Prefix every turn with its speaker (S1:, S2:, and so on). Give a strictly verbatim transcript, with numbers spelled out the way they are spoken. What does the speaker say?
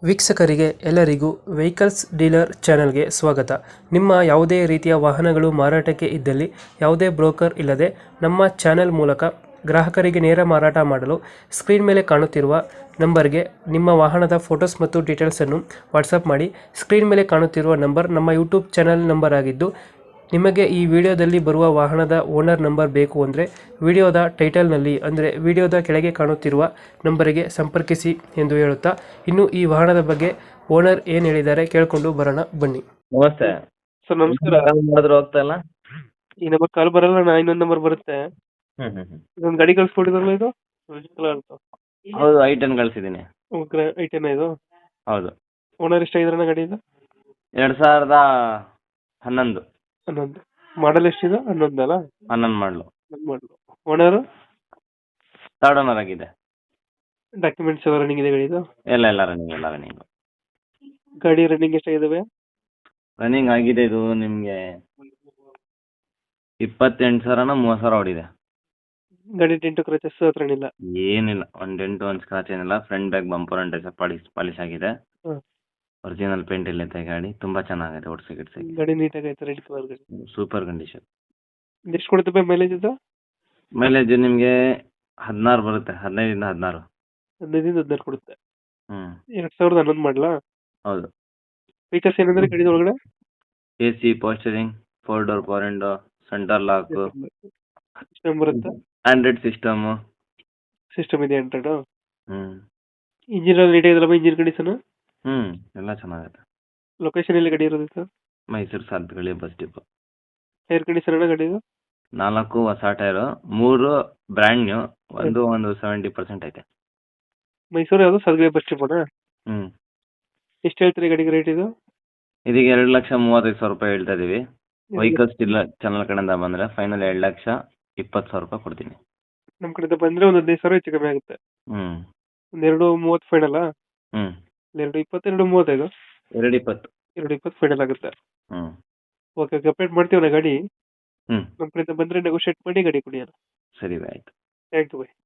S1: ವೀಕ್ಷಕರಿಗೆ ಎಲ್ಲರಿಗೂ vehicles dealer ಚಾನೆಲ್ಗೆ ಸ್ವಾಗತ. ನಿಮ್ಮ ಯಾವುದೇ ರೀತಿಯ ವಾಹನಗಳು ಮಾರಾಟಕ್ಕೆ ಇದ್ದಲ್ಲಿ ಯಾವುದೇ ಬ್ರೋಕರ್ ಇಲ್ಲದೆ ನಮ್ಮ ಚಾನೆಲ್ ಮೂಲಕ ಗ್ರಾಹಕರಿಗೆ ನೇರ ಮಾರಾಟ ಮಾಡಲು ಸ್ಕ್ರೀನ್ ಮೇಲೆ ಕಾಣುತ್ತಿರುವ ನಂಬರ್ಗೆ ನಿಮ್ಮ ವಾಹನದ ಫೋಟೋಸ್ ಮತ್ತು ಡೀಟೇಲ್ಸನ್ನು ವಾಟ್ಸಪ್ ಮಾಡಿ. ಸ್ಕ್ರೀನ್ ಮೇಲೆ ಕಾಣುತ್ತಿರುವ ನಂಬರ್ ನಮ್ಮ ಯೂಟ್ಯೂಬ್ ಚಾನೆಲ್ ನಂಬರ್ ಆಗಿದ್ದು, ನಿಮಗೆ ಈ ವಿಡಿಯೋದಲ್ಲಿ ಬರುವ ವಾಹನದ ಓನರ್ ನಂಬರ್ ಬೇಕು ಅಂದರೆ ವಿಡಿಯೋದ ಟೈಟಲ್ನಲ್ಲಿ ಅಂದರೆ ವಿಡಿಯೋದ ಕೆಳಗೆ ಕಾಣುತ್ತಿರುವ ನಂಬರಿಗೆ ಸಂಪರ್ಕಿಸಿ ಎಂದು ಹೇಳುತ್ತಾ, ಇನ್ನು ಈ ವಾಹನದ ಬಗ್ಗೆ ಓನರ್ ಏನು ಹೇಳಿದ್ದಾರೆ ಕೇಳಿಕೊಂಡು ಬರೋಣ ಬನ್ನಿ.
S2: ನಮಸ್ತೆ
S1: ಸರ್ ನಮಸ್ಕಾರ.
S2: ಮಾಡಿದ್ರು ಹೋಗ್ತಾ ಇಲ್ಲ.
S1: ಈ ನಂಬರ್ ಕಾಲ್ ಬರಲ್ಲ, ನಾ ಇನ್ನೊಂದು ನಂಬರ್ ಬರುತ್ತೆ.
S2: ಹ್ಮ್ ಹ್ಮ್ ಹ್ಮ್
S1: ಇದೊಂದು ಗಾಡಿ ಕಳ್ಸ್ಕೊಟ್ಟಿದ್ರಲ್ಲ, ಇದು ಕಲರ್
S2: ಹೌದು, ಐ ಟೆನ್ ಕಳ್ಸಿದ್ದೀನಿ.
S1: ಐಟೆನ ಇದು.
S2: ಹೌದು,
S1: ಓನರ್ ಎಷ್ಟು ಇದ್ರಣ್ಣ ಗಾಡಿ ಇದು?
S2: ಎರಡ್ ಸಾವಿರದ ಹನ್ನೊಂದು
S1: ಹನ್ನೊಂದು ಮಾಡಲ್ ಎಷ್ಟಿದೆ? ಹನ್ನೊಂದು ಅಲ್ಲ?
S2: ಹನ್ನೊಂದು ಮಾಡಲು.
S1: ಮಾಡಲು. ಓನರ್
S2: ಥರ್ಡ್ ಓನರ್ ಆಗಿದೆ.
S1: ಡಾಕ್ಯುಮೆಂಟ್ಸ್ ಎಲ್ಲ ರನ್ನಿಂಗ್ ಇದೆ ಗಾಡಿದು?
S2: ಎಲ್ಲ ಎಲ್ಲ ರನ್ನಿಂಗ್ ಎಲ್ಲ ರನ್ನಿಂಗ್
S1: ಗಾಡಿ ರನ್ನಿಂಗ್ ಎಷ್ಟಾಗಿದಾವೆ?
S2: ರನ್ನಿಂಗ್ ಆಗಿದೆ ಇದು ನಿಮ್ಗೆ ಇಪ್ಪತ್ತೆಂಟು ಸಾವಿರನ ಮೂವತ್ತು ಸಾವಿರ ಹೊಡಿದೆ.
S1: ಗಾಡಿ ಟೆಂಟು ಕ್ರಚಸ್ ಹತ್ರ ಇಲ್ಲ?
S2: ಏನಿಲ್ಲ, ಒಂದ್ ಡೆಂಟು ಒಂದ್ ಸ್ಕ್ರಾಚ್ ಏನಿಲ್ಲ. Front back bumper and polish polish ಆಗಿದೆ.
S1: ಹಾಂ.
S2: ಒರಿಜಿನಲ್ ಪೇಂಟ್ ಇಲ್ಲೈತೆ ಗಾಡಿ. ತುಂಬಾ ಚೆನ್ನಾಗಿದೆ, ಓಡಿಸಿ ಗಿಡ್ಸಿ
S1: ಗಾಡಿ ನೀಟಾಗಿ ಐತೆ, ರೆಡ್ ಕಲರ್ ಗಾಡಿ.
S2: Super condition.
S1: ಎಷ್ಟು ಕೊಡುತ್ತೆ ಮೈಲೇಜ್ ಇದು?
S2: ಮೈಲೇಜ್ ನಿಮ್ಗೆ ಹದಿನಾರು ಬರುತ್ತೆ, ಹದಿನೈದಿಂದ ಹದಿನಾರು.
S1: ಹದಿನೈದಿಂದ ಹದಿನಾರು ಕೊಡುತ್ತೆ.
S2: ಹ್ಮ್
S1: ಎರಡ್ ಸಾವಿರದ ಹನ್ನೊಂದು ಮಾಡಲಾ?
S2: ಹೌದು.
S1: ಫೀಚರ್ಸ್ ಏನಂದ್ರೆ ಗಾಡಿ ಒಳಗಡೆ?
S2: ಎ ಸಿ, ಪೋಸ್ಟರಿಂಗ್, four door power window, centre lock,
S1: system ಬರುತ್ತೆ?
S2: Android system.
S1: ಸಿಸ್ಟಮ್ ಇದೆ ಆಂಡ್ರಾಯ್ಡ್?
S2: ಹ್ಮ್
S1: ಇಂಜಿನ್ ಎಲ್ಲ ನೀಟಾಗಿ ಇದೆಯಲ್ಲ, ಇಂಜಿನ್ ಕಂಡೀಷನ್?
S2: ಹ್ಮ್ ಎಲ್ಲ ಚೆನ್ನಾಗಿದೆ.
S1: ಲೊಕೇಶನ್ ಎಲ್ಲಿ ಗಾಡಿ ಇರೋದು sir?
S2: Mysuru Sathagalli bus depot.
S1: Tyre condition ಅಣ್ಣ ಗಾಡಿದು?
S2: ನಾಲ್ಕು ಹೊಸ ಟೈರು, ಮೂರು ಬ್ರ್ಯಾಂಡ್ ನ್ಯೂ, ಒಂದು ಒಂದು ಸೆವೆಂಟಿ ಪರ್ಸೆಂಟ್ ಐತೆ.
S1: ಮೈಸೂರು ಯಾವುದು? ಸದ್ಗಳಿ ಬಸ್ ಸ್ಟಾಪ್?
S2: ಹ್ಮ್
S1: ಎಷ್ಟು ಹೇಳ್ತೀರಿ ಗಾಡಿಗೆ ರೇಟ್ ಇದು?
S2: ಇದೀಗ ಎರಡು ಲಕ್ಷ ಮೂವತ್ತೈದು ಸಾವಿರ ರೂಪಾಯಿ ಹೇಳ್ತಾ ಇದೀವಿ. ವೆಹಿಕಲ್ಸ್ ಇಲ್ಲ ಚಾನಲ್ ಕಡೆಯಿಂದ ಬಂದ್ರೆ ಫೈನಲ್ ಎರಡು ಲಕ್ಷ ಇಪ್ಪತ್ತು ಸಾವಿರ ರೂಪಾಯಿ ಕೊಡ್ತೀನಿ.
S1: ನಮ್ಮ ಕಡೆಯಿಂದ ಬಂದ್ರೆ ಒಂದು ಹದಿನೈದು ಸಾವಿರ ಹೆಚ್ಚು ಕಮ್ಮಿ ಆಗುತ್ತೆ.
S2: ಹ್ಮ್
S1: ಒಂದೆರಡು ಮೂವತ್ತು ಫೈನಲ್?
S2: ಹ್ಮ್
S1: ಎರಡು ಇಪ್ಪತ್ತು, ಎರಡು ಮೂವತ್ತೈದು?
S2: ಎರಡು ಇಪ್ಪತ್ತು.
S1: ಎರಡು ಇಪ್ಪತ್ತು ಫೈನಲ್ ಆಗುತ್ತೆ.
S2: ಹ್ಮ್
S1: ಓಕೆ, ಅಪ್ಡೇಟ್ ಮಾಡ್ತೀವಣ್ಣ ಗಾಡಿ.
S2: ಹ್ಮ್
S1: ನಮ್ಮ ಕಡೆಯಿಂದ ಬಂದ್ರೆ ನೆಗೋಷಿಯೇಟ್ ಮಾಡಿ ಗಾಡಿ ಕೊಡಿ ಅಣ್ಣ.
S2: ಸರಿ, ಆಯ್ತು.
S1: Thank you by.